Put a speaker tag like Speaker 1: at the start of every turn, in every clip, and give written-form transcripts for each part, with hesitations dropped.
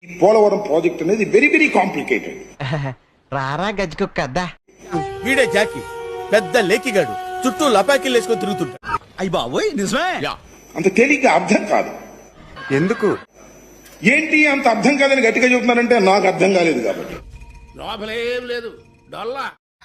Speaker 1: Polavaram project అనేది very very complicated.
Speaker 2: రారా గజ్జుకుక్క
Speaker 3: వీడే జాకి పెద్ద లేకిగాడు చుట్టూ లపాకిలు వేసుకొని తిరుగుతుంటా.
Speaker 4: అయ్యి బాబోయ్ నిజమే.
Speaker 1: అంత తేలిగ్గా అర్థం కాదు.
Speaker 4: ఎందుకు
Speaker 1: ఏంటి అంత అర్థం కాదని గట్టిగా చెబుతున్నారంటే నాకు అర్థం కాలేదు కాబట్టి.
Speaker 3: లోపలేం లేదు డొల్లా.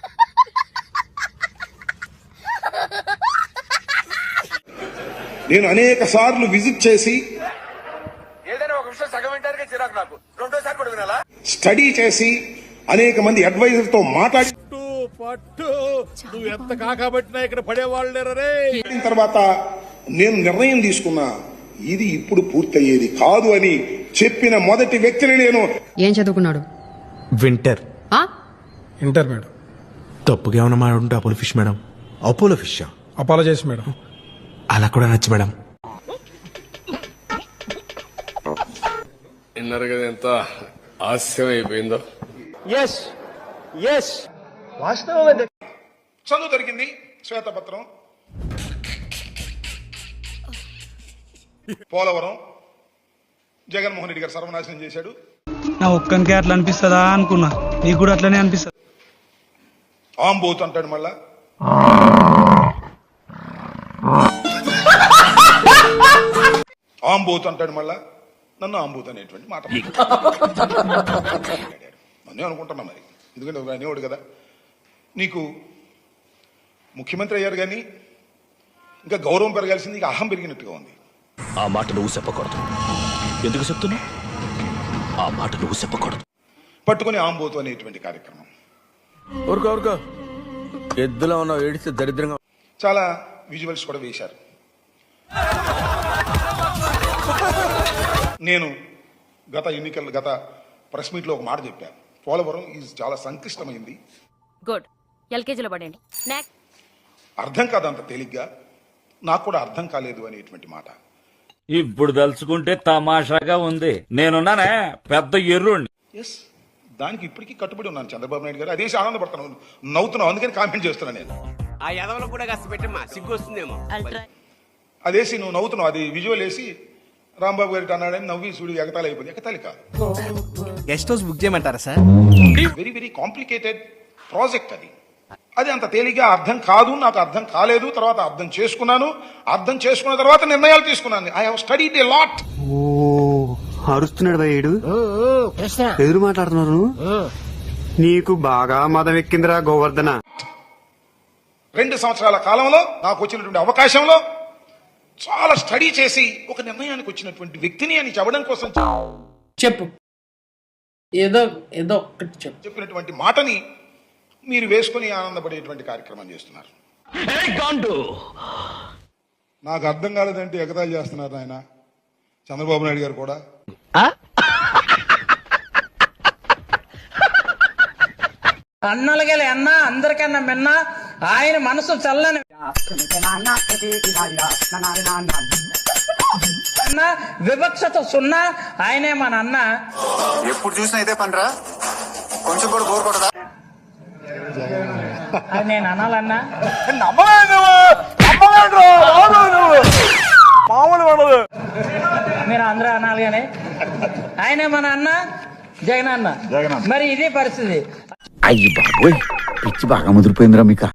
Speaker 1: నేను అనేక సార్లు విజిట్ చేసి
Speaker 3: ఏదైనా ఒక విషయం సగం వింటానికి చిరాకు నాకు. రెండోసారి కూడా వినాలా?
Speaker 1: స్టడీ చేసి అనేక మంది అడ్వైజర్ తో మాట్లాడి
Speaker 3: పట్టు నువ్వు ఎంత కాకబట్టినా ఇక్కడ పడేవాళ్ళు లేరే.
Speaker 1: తర్వాత నేను నిర్ణయం తీసుకున్నా ఇది ఇప్పుడు పూర్తయ్యేది కాదు అని చెప్పిన మొదటి వ్యక్తిని నేను.
Speaker 5: ఏం చదువుకున్నాడు?
Speaker 6: Winter
Speaker 7: inter madam.
Speaker 6: తప్పుగా ఏమన్నా మాడుంటే Apollo fish madam.
Speaker 4: Apollo fish
Speaker 7: apologise madam.
Speaker 6: అలా కూడా నచ్చు మేడం.
Speaker 8: విన్నారు కదా ఎంత ఆస్యం అయిపోయిందో.
Speaker 1: చదువు దొరికింది, శ్వేతపత్రం, పోలవరం జగన్మోహన్ రెడ్డి గారు సర్వనాశనం చేశాడు.
Speaker 7: నా ఒక్కనికే అట్లా అనిపిస్తుందా అనుకున్నా, నీకు కూడా అట్లనే అనిపిస్తుంది.
Speaker 1: ఆంబోత్ అంటాడు మళ్ళా. ఆంబోత్ అంటాడు మళ్ళా. నన్ను ఆంబోత్ అనేటువంటి మాట నన్నే అనుకుంటున్నా మరి, ఎందుకంటే అనేవాడు కదా. నీకు ముఖ్యమంత్రి అయ్యారు కానీ ఇంకా గౌరవం పెరగాల్సింది, ఇంకా అహం పెరిగినట్టుగా ఉంది.
Speaker 9: ఆ మాట నువ్వు చెప్పకూడదు. ఎందుకు చెప్తున్నా? ఆ మాట నువ్వు చెప్పకూడదు.
Speaker 1: పట్టుకుని ఆంబోతు అనేటువంటి కార్యక్రమం.
Speaker 3: ఊరుకో ఎద్దులో ఉన్న ఏడిస్తే దరిద్రంగా.
Speaker 1: చాలా విజువల్స్ కూడా వేశారు. నేను గత ప్రెస్ మీట్ లో ఒక మాట చెప్పాను, పోలవరం ఈజ్ చాలా సంక్లిష్టమైంది.
Speaker 5: గుడ్, ఎల్కేజీలో పడండి.
Speaker 1: అర్థం కాదు అంత తేలిగ్గా, నాకు కూడా అర్థం కాలేదు అనేటువంటి మాట.
Speaker 10: ఇప్పుడు తలుచుకుంటే తమాషాగా ఉంది. నేనున్నానే పెద్ద ఎర్రుండి.
Speaker 1: ఎస్, దానికి ఇప్పటికీ కట్టుబడి ఉన్నాను చంద్రబాబు నాయుడు గారు. అదేసి ఆనందపడుతున్నాను, నవ్వుతున్నావు, అందుకని కామెంట్ చేస్తున్నాను నేను.
Speaker 3: ఆ ఎదవలో కూడా కాస్త పెట్టమ్మా, సిగ్గు వస్తుందేమో.
Speaker 1: అదేసి నువ్వు నవ్వుతున్నావు, అది విజువల్ వేసి రాంబాబు గారికి అన్నాడని నవ్వి చూడు ఎగతాళి అయిపోయింది. ఎగతాళి కాదు.
Speaker 4: గెస్ట్ హౌస్ బుక్ చేయమంటారా sir?
Speaker 1: Very very complicated project అది. అది అంత తేలిగ్గా అర్థం కాదు, నాకు అర్థం కాలేదు. తర్వాత అర్థం చేసుకున్నాను, అర్థం చేసుకున్న తర్వాత నిర్ణయాలు తీసుకున్నాను. I have studied a lot.
Speaker 4: ఓ అరుస్తున్నాడు భయ్యేడు, ఎదురు మాట్లాడుతున్నారు. నీకు బాగా మదం ఎక్కిందిరా గోవర్ధన.
Speaker 1: 2 సంవత్సరాల కాలంలో నాకు వచ్చినటువంటి అవకాశంలో చాలా స్టడీ చేసి ఒక నిర్ణయానికి వచ్చినటువంటి వ్యక్తిని అని చెప్పడం కోసం
Speaker 11: చెప్పు, ఏదో ఒక్కటి చెప్పు.
Speaker 1: చెప్పినటువంటి మాటని మీరు వేసుకుని ఆనందపడేటువంటి కార్యక్రమం చేస్తున్నారు. నాకు అర్థం కాలేదంటే ఎగతాళి చేస్తున్నారు ఆయన చంద్రబాబు నాయుడు గారు కూడా.
Speaker 11: అన్నలగల అన్న అందరికన్నా మిన్న ఆయన మనసు చల్లని అన్న, వివక్షత సున్నా. ఆయనే మన అన్న.
Speaker 4: ఎప్పుడు చూసినా ఇదే పనిరా, కొంచెం కూడా బోర్ కొడదా?
Speaker 11: అది నేను అనాలన్నా. మీరు అందరూ అనాలి కానీ ఆయనే మన అన్న జగన్ అన్న. మరి ఇదే పరిస్థితి.
Speaker 9: అయ్యి బాబోయ్ పిచ్చి బాగా ముదిరిపోయిందిరా మీకు.